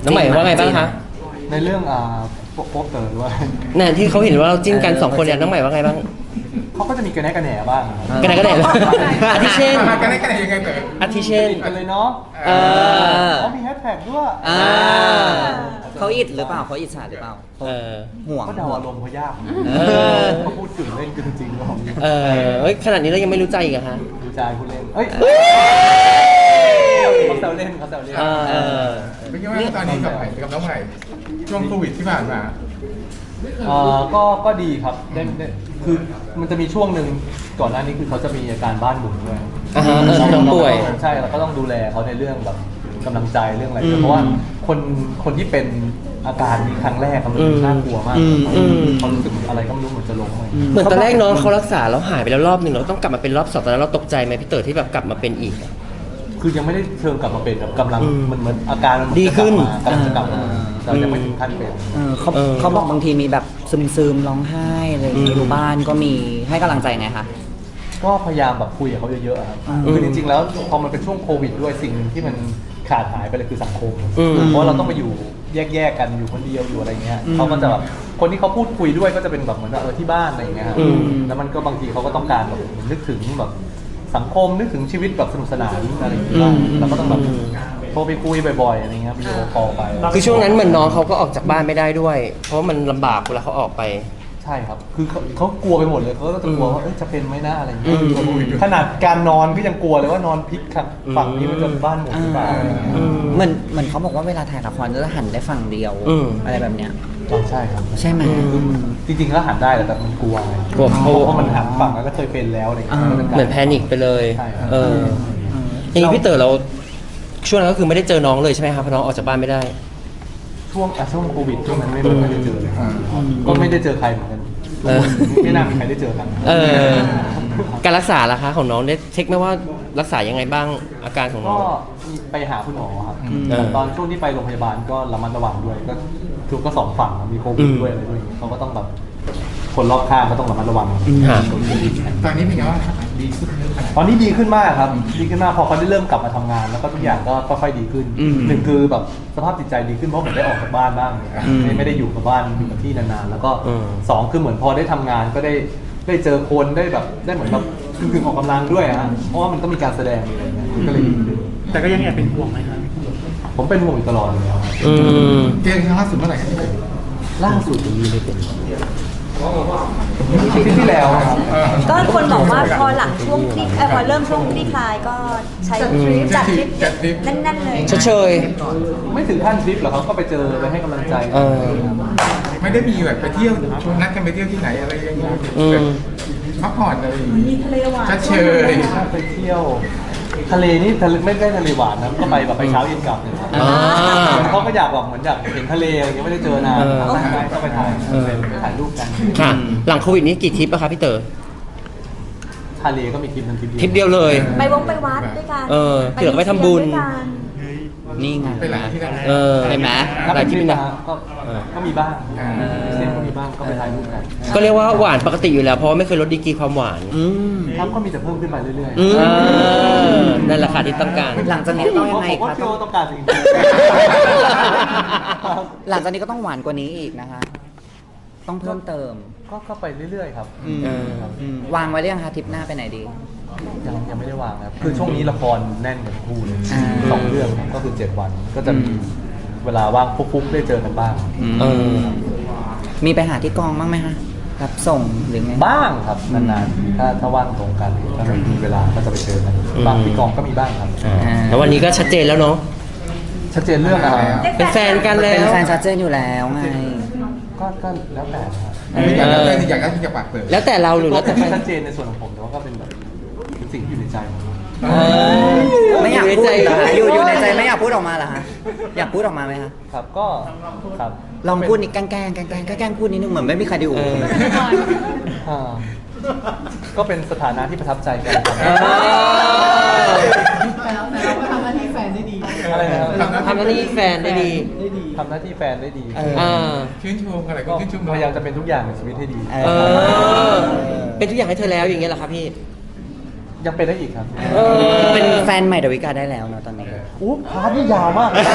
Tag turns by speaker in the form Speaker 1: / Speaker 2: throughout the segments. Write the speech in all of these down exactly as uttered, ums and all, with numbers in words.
Speaker 1: น้องใหม่ว่าไงบ้างคะ
Speaker 2: ในเรื่องอ่าโป๊ปเตอร์ด้วย
Speaker 1: นั่นที่เขาเห็นว่าเราจิ้นกันสองคนเนี่ยน้องใหม่ว่าไงบ้าง
Speaker 2: เขาก็จะมีกระแนกกระแหน่บ้าง
Speaker 1: กระแนกกระแหน่อาทิเช่น
Speaker 3: กระแนกกระแหน่ยังไงเต๋อ
Speaker 1: อาทิเช่น
Speaker 2: กันเลยเนาะ
Speaker 1: เออ
Speaker 2: เขามีแฮชแท็กด้วย
Speaker 4: เขาอิดหรือเปล่าเขาอิจฉาหรือเปล่า
Speaker 1: เออ
Speaker 4: ห่วง
Speaker 2: เขาเดาอารมณ์เขายากเขาพูดถึงเล่นกันจริงๆของ
Speaker 1: เออเอ้ยขนาดนี้เรายังไม่รู้ใจอีกอะฮะ
Speaker 2: รู้ใจพูดเล่นเอ้ยเขาแซวเล่นเขาแซวเล่น
Speaker 1: เออ
Speaker 3: เป็นยังไงตอนนี้กับใหม่กับน้องใหม่ช่วงโควิดที่ผ่านมา
Speaker 2: เออก็ก็ดีครับได้ได้คือมันจะมีช่วงหนึ่งก่อนหน้านี้คือเขาจะมีอาการบ้านหมุนด้วย
Speaker 1: อ่าฮะต้องป่วย
Speaker 2: ใช่เราก็ต้องดูแลเขาในเรื่องแบบกำลังใจเรื่องอะไรเพราะว่าคนคนที่เป็นอาการนี้ครั้งแรกมันน่ากลัวมากเขารู้สึกอะไรก็ไม่รู้เหมือนจะล้มเลย
Speaker 1: เหมือนตอนแรกน้องเขารักษาแล้วหายไปแล้วรอบหนึ่งเราต้องกลับมาเป็นรอบสองตอนนั้นเราตกใจไหมพี่เต๋อที่แบบกลับมาเป็นอีก
Speaker 2: คือยังไม่ได้เชิงกลับมาเป็นแบบกำลังมันเหมือนอาการมัน
Speaker 1: ดีขึ้น
Speaker 2: กำลังจะกลับมาเรายังไม่ถึงขั้นเป็น
Speaker 4: เขาเขาบอกบางทีมีแบบซึมๆร้องไห้อะไรอยู่บ้านก็มีให้กำลังใจไงคะ
Speaker 2: ก็พยายามแบบคุยกับเขาเยอะๆครับคือจริงๆแล้วพอมันเป็นช่วงโควิดด้วยสิ่งหนึ่งที่มันขาดหายไปเลยคือสังคมเพราะเราต้องไปอยู่แยกๆกันอยู่คนเดียวอยู่อะไรเงี้ยเขาก็จะแบบคนที่เขาพูดคุยด้วยก็จะเป็นแบบเหมือนเออที่บ้านอะไรเงี้ยแล้วมันก็บางทีเขาก็ต้องการแบบนึกถึงแบบสังคมนึกถึงชีวิตแบบสนุกสนานอะไรอย่างเงี้ยเราก็ต้องแบบโทรไปคุยบ่อยๆอะไรเงี้ยวิดีโอคอลไป
Speaker 1: คือช่วงนั้นเหมือนน้องเขาก็ออกจากบ้านไม่ได้ด้วยเพราะมันลำบากเวลาเขาออกไป
Speaker 2: ใช่ครับคือเขากลัวไปหมดเลยเขาก็จะกลัวว่าจะเป็นไหมนะอะไรอย่างเงี้ยขนาดการนอนก็ยังกลัวเลยว่านอนพลิกฝั่งนี้มันจะบ้านหมุนหรือเปล่า
Speaker 4: เหมือนเหมือนเขาบอกว่าเวลาถ่ายละครจะหันได้ฝั่งเดียวอะไรแบบเนี้ย
Speaker 2: ใช่ครับ
Speaker 4: ใช่ไหม
Speaker 2: จริงๆก็หันได้แต่มันกลัวไง
Speaker 1: กลัวเพ
Speaker 2: ราะมันหันฝั่งแล้วก็เคยเป็นแล้วอะไรอย่างเงี้ย
Speaker 1: เหมือนแพนิคไปเลยเอออย่างนี้พี่เต๋อเราช่วงนั้นก็คือไม่ได้เจอน้องเลยใช่ไหมครับเพราะน้องออกจากบ้านไม่ได้
Speaker 2: ช่วงช่วงโควิดช่วงนั้นไม่ได้เจอเลยก็ไม่ได้เจอใครเหมือนกันไม่น่ามีใครได้เจอกัน
Speaker 1: เออการรักษาล่ะคะของน้องได้เช็คไหมว่ารักษายังไงบ้างอาการของน้อง
Speaker 2: ก็ไปหาคุณหมอครับตอนช่วงที่ไปโรงพยาบาลก็ระมัดระวังด้วยก็คือก็สองฝั่งมีโควิดด้วยอะไรด้วยเขาก็ต้องแบบคนรอบข้างก็ต้องระมัดระวัง
Speaker 3: ตอนนี้เป็นไงบ้างดีขึ้น
Speaker 2: ตอนนี้ดีขึ้นมากครับดีขึ้นมากพอเขาได้เริ่มกลับมาทำงานแล้วก็ทุกอย่างก็ค่อยๆดีขึ้นหนึ่งคือแบบสภาพจิตใจดีขึ้นเพราะผมได้ออกจากบ้านบ้างไม่ได้อยู่กับบ้านอยู่กับที่นานๆแล้วก็สองคือเหมือนพอได้ทำงานก็ได้ได้เจอคนได้แบบได้เหมือนแบบถึงออกกำลังด้วยฮะเพราะว่ามันต้องมีการแสดงอะไรเงี้ยก็เลยดีขึ้น
Speaker 5: แต่ก็ยังแอบเป็นห่วงไหมครับ
Speaker 2: ผมเป็นห่วงอยู่ตลอดเลยครับ
Speaker 3: เจอครั้งล่าสุดเมื่อไหร่ครับ
Speaker 2: ล่าสุดนี้เลยเป็นที่ที่แล้วครับ
Speaker 6: ก็คนบอกว่าพอหลังช่วงที่พอเริ่มช่วงที่คลายก็ใช้ทริปจัดทริปแน่นๆเลย
Speaker 1: เฉย
Speaker 2: ไม่ถึงขั้นทริปหรอกเขาก็ไปเจอไปให้กำลังใจ
Speaker 3: ไม่ได้มีแบบไปเที่ยวนัดกันไปเที่ยวที่ไหนอะไรอย่างเงี้ยพักผ่อนอะไรอย่างงี้
Speaker 6: มีทะเลหวาน
Speaker 3: เฉย
Speaker 2: ไปเที่ยวทะเลนี่ทะเลไม่ได้ทะเลหวานนะก็ไปแบบไปเช้าเย็นกลับเลยเขาก็อยากแบบเหมือนอยากเห็นทะเลอะไรเงี้ยไม่ได้เจอนานก็ไปถ่ายไปถ่ายรูปกัน
Speaker 1: หลังโควิดนี้กี่ทริปอะครับพี่เต๋อ
Speaker 2: ทะเลก็มีทริปนึงทริป
Speaker 1: ทริปเดียวเลย
Speaker 6: ไปวงไปวัดด้วยกัน
Speaker 1: เออเผื่อไปทำบุญ
Speaker 4: นี่ไง
Speaker 3: ไปหลายที่
Speaker 1: เออ
Speaker 4: เห็นไหม
Speaker 2: หลายที่นะก็ก็มีบ้างเซนก็มีบ้างก็ไปถ่ายรูปกัน
Speaker 1: ก็เรียกว่าหวานปกติอยู่แล้วเพราะไม่เคยลดดีกรีความหวาน
Speaker 2: ครับก็มีแต่เพิ่มขึ้นไปเรื่อย
Speaker 1: ๆนั่นแหละค่ะที่ต้องการ
Speaker 4: หลังจากนี้ต้องยังไงครับ
Speaker 2: ต้องการสิ่งนี้
Speaker 4: หลังจากนี้ก็ต้องหวานกว่านี้อีกนะคะต้องเพิ่มเติม
Speaker 2: ก็ก็ไปเรื่อยๆครับ
Speaker 4: วางไว้หรือยังคะทริปหน้าไปไหนดี
Speaker 2: ยังยังไม่ได้วางครับคือช่วงนี้ละครแน่นกันคู่เลยสองเรื่องก็คือเจ็ดวันก็จะมีเวลาว่างฟุกๆได้เจอกันบ้าง
Speaker 4: มีไปหาที่กองบ้างไหมคะรับส่งหรือไง
Speaker 2: บ้างครับนานๆถ้าถ้าว่างตรงกันถ้ามีเวลาก็จะไปเจอกันบ้างที่กองก็มีบ้างครับ
Speaker 1: แล้ววันนี้ก็ชัดเจนแล้วเนาะ
Speaker 2: ชัดเจนเรื่องอะไร
Speaker 1: เป็นแฟนกันแล้ว
Speaker 4: เป็นแฟนชัดเจนอยู่แล้วไง
Speaker 2: ก็ก็แล้วแต่ครับ
Speaker 3: แล้วแต่อยากได้ที่จะปากเปิด
Speaker 1: แล้วแต่เราหรือแล้วแต่
Speaker 2: ชัดเจนในส่วนของผมแต่ว่าก็เป็นแบบสิ่งที่อยู่ในใจ
Speaker 4: ไม่อยากพูดอยู่อยู่ในใจไม่อยากพูดออกมาเหรอฮะอยากพูดออกมาไหมคะ
Speaker 2: ครับก็ครับ
Speaker 4: ลองพูดนิดแกล้งแกล้งแกล้งแกล้งพูดนิดนึงเหมือนไม่มีใครดู
Speaker 2: ก็เป็นสถานะที่ประทับใจกัน
Speaker 5: ทำหน้าที่แฟนได้ดี
Speaker 2: อะไรนะครับ
Speaker 1: ทำหน้าที่แฟนได้ดี
Speaker 2: ทำหน้าที่แฟนได้ดี
Speaker 3: ชื่นชมอะไรก็ชื่นชม
Speaker 2: พยายามจะเป็นทุกอย่างในชีวิตให้ดี
Speaker 1: เป็นทุกอย่างให้เธอแล้วอย่างเงี้ยเหรอครับพี่
Speaker 2: ยังเป็นได้อีกครับ
Speaker 1: เออ
Speaker 4: เป็นแฟนใหม่ดาวิกาได้แล้วเนอะตอนนี้
Speaker 2: อู้พาร์ทนี่ยาวมากเลย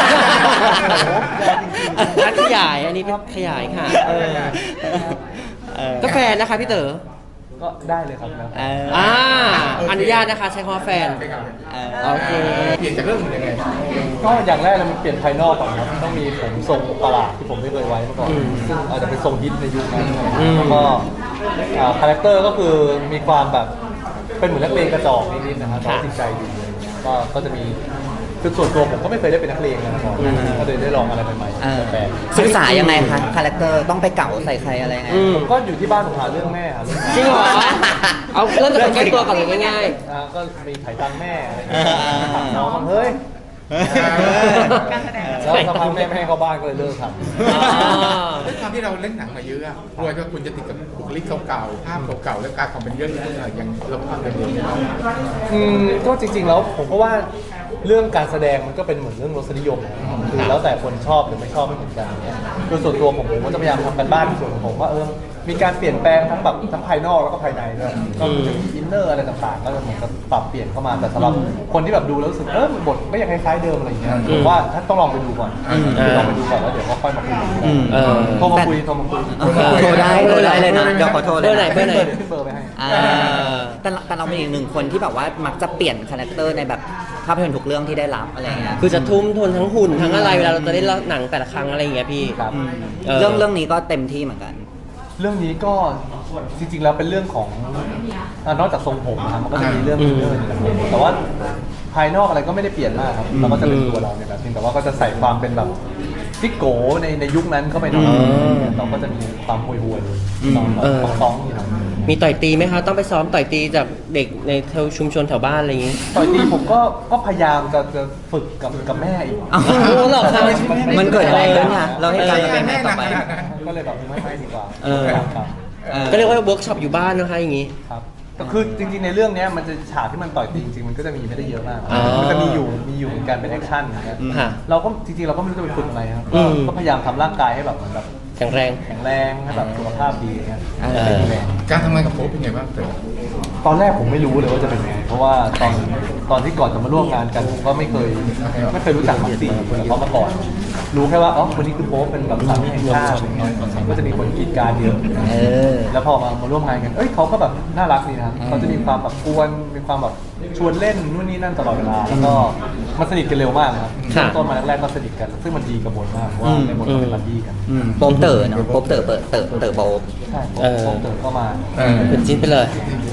Speaker 2: โอ้โหยาวจริง
Speaker 1: นัดขยายอันนี้เป็นขยายค่ะ เออ
Speaker 4: เออ
Speaker 1: ก็แฟนนะคะพี่เต๋อ
Speaker 2: ๆก็ได้เลยครับแล้ว
Speaker 4: เออ
Speaker 1: อ่าอนุญาตนะคะใช้คำว่าแฟน
Speaker 4: เออ
Speaker 1: โอเค
Speaker 3: เปลี่ยนจากเรื่องอื่นยังไง
Speaker 2: ก็อย่างแรกเลยมันเปลี่ยนภายนอกก่อนครับต้องมีผมทรงประหลาดที่ผมไม่เคยไว้มาก่อน
Speaker 1: อืม
Speaker 2: ซึ่งอาจจะเป็นทรงฮิตในยุคนั้น
Speaker 1: อืม
Speaker 2: แล้วก็อ่าคาแรคเตอร์ก็คือมีความแบบเป็นเหมือนนักเลงกระจอกนิดๆนะครับแต่ว่าจริงใจดีก็ก็จะมีคือส่วนตัวผมก็ไม่เคยได้เป็นนักเลงมาก่อนก็เลยได้ลองอะไรใหม่
Speaker 4: เออ
Speaker 2: ๆแปลก
Speaker 4: ศึกษายังไงคะคาแรคเตอร์ต้องไปเก่าใส่ใครอะไรยังไง
Speaker 1: อืม
Speaker 2: ๆผมก็อยู่ที่บ้านผมหาเรื่องแม่หาเรื่อง
Speaker 1: จริงเหรอ เอาเริ่มจากคนใกล้ตัวก่อนเลยง่าย
Speaker 2: อ่าก็มีไถ่ตังค์แม่อะไรอย่างเงี้ยถามน้องมันเฮ้ย
Speaker 5: การแสดง
Speaker 2: แล้วสักพักแม่ไม่ให้เข้าบ้านก็เลยเลิกทำ
Speaker 1: ๆอ่า
Speaker 3: ด้วยความที่เราเล่นหนังมาเยอะอะกลัวว่าคุณจะติดกับบุคลิกเก่าๆภาพเก่าๆแล้วการความเป็นเยอะๆอย่างเราทำกันเอง
Speaker 2: อืมก็จริงๆแล้วผมก็ว่าเรื่องการแสดงมันก็เป็นเหมือนเรื่องรสนิยมนะครับคือแล้วแต่คนชอบหรือไม่ชอบไม่เหมือนกันเนี่ยโดยส่วนตัวผมผมก็จะพยายามทำกันบ้านในส่วนของผมว่าเออมีการเปลี่ยนแปลงทั้งแบบทั้งภายนอกแล้วก็ภายในด้วยก็คือจะมีอินเนอร์อะไรต่างๆ ก็จะเหมือนกับปรับเปลี่ยนเข้ามาแต่สำหรับคนที่แบบดูแล้วรู้สึกเออบทก็ยังคล้ายๆเดิมอะไรอย่างเงี้ยผมว่าถ้าต้องลองไปดูก่อนคือลองไปดูก่อนแล้วเดี๋ยวก็ค่อยมาคุยกัน
Speaker 4: อืม
Speaker 1: เออ
Speaker 2: โทรมาคุยโทรมาคุย
Speaker 4: โทรได้โทรได้เลยนะเดี๋ยวขอโทรเลย
Speaker 1: เบอร์ไหน
Speaker 4: นะ
Speaker 1: เบอร์ไหน
Speaker 2: เดี๋ยวขึ้นเบอร์ไปให้
Speaker 4: อ่าแต่เราแต่เราเป็นอีกหนึ่งคนที่แบบว่ามักจะเปลี่ยนคาแรคเตอร์ในแบบภาพยนตร์ทุกเรื่องที่ได้รับอะไรอย่างเงี้ย
Speaker 1: คือจะทุ่มทุนทั้งหุ่นทั้งอะไรเวลาเราจะได้เล่าหนังแต่ละครั้งอะไรอย่างเงี้ยพี่
Speaker 2: ครับ
Speaker 4: อืม
Speaker 1: เออ
Speaker 4: เรื่องเรื่องนี้ก็เต็มที่เหมือนกัน
Speaker 2: เรื่องนี้ก็จริงๆแล้วเป็นเรื่องของอ่ะนอกจากทรงผมนะครับมันก็จะมีเรื่อง
Speaker 1: อืม
Speaker 2: เรื่องอื่นแต่ว่าภายนอกอะไรก็ไม่ได้เปลี่ยนมากครับเราก็จะเป็นตัวเราในแบบนึงแต่ว่าก็จะใส่ความเป็นแบบซิกโกในในยุคนั้นเข้าไปหน่อย
Speaker 1: อืม
Speaker 2: เราก็จะมีความห่วยๆ
Speaker 4: อืม
Speaker 2: ต้อง
Speaker 1: เออ
Speaker 2: ต้องต้องนี่ครับ
Speaker 1: มีต่อยตีไหมคะ ต้องไปซ้อมต่อยตีจากเด็กในแถวชุมชนแถวบ้านอะไรอย่างงี้
Speaker 2: ต่อยตีผมก็ก็พยายามจะจะฝึกกับกับแม่อีก
Speaker 4: อ้าว
Speaker 1: โอ้เหรอครับ
Speaker 4: มันเกิดอะไรขึ้นคะเราให้การเป็นไงต่อไป
Speaker 2: ก็เลยแบบไม่ให้ดีกว่า
Speaker 4: เออ
Speaker 2: ครับ
Speaker 4: ออ
Speaker 1: ก็เรียกว่าเวิร์กช็อปอยู่บ้านนะคะอย่างงี้
Speaker 2: ครับแต่คือจริงๆในเรื่องเนี้ยมันจะฉากที่มันต่อยตีจริงๆมันก็จะมีไม่ได้เยอะมาก
Speaker 1: อ๋อ
Speaker 2: มันจะมีอยู่มีอยู่เหมือนกันเป็นแอคชั่นนะครับ
Speaker 1: ค่ะ
Speaker 2: เราก็จริงๆเราก็ไม่รู้จะไปฝึกอะไรครับ
Speaker 1: อื
Speaker 2: ก็
Speaker 1: ม
Speaker 2: ก็พยายามทำร่างกายให้แบบเหมือนแบบ
Speaker 1: แข็งแรง
Speaker 2: แข็งแรงให้แบบสุขภาพดีอย่างเงี้ย
Speaker 4: เออ
Speaker 2: เป็นแรง
Speaker 3: การทำงานกับโป๊ปเป็นไงบ้างเต๋อ
Speaker 2: ตอนแรกผมไม่รู้เลยว่าจะเป็นไง เพราะว่าตอนตอนที่ก่อนจะมาร่วมงานกันผมก็ไม่เคยไม่เคยรู้จักมักซี่กับเขามาก่อน รู้แค่ว่าอ๋อคนนี้คือโป๊ปเป็นแบบสามีแห่งชาติอะไรเงี้ยก็จะมีคนกรีดกรารเยอะ
Speaker 4: เออ
Speaker 2: แล้วพอมามาร่วมงานกัน เอ้ยเขาก็แบบน่ารักดีนะครับเขาจะมีความแบบกวน มีความแบบชวนเล่นนู่นนี่นั่นตลอดเวลา แล้วก็มันสนิทกันเร็วมากนะครับ
Speaker 1: ค่ะ
Speaker 2: ต้นมาแรกๆก็สนิทกัน ซึ่งมันดีกับบทมากเพราะว่าในบทก็เป็นบัดดี้กัน
Speaker 4: อืมโป๊ปเต๋อเนาะโป๊ปเต๋อเปิดเต๋อเต๋อโป๊ป
Speaker 2: ใช่
Speaker 1: เออ
Speaker 2: โป๊ปเติร์ก็มา
Speaker 3: เออ
Speaker 1: เป็นจิ้นไปเลย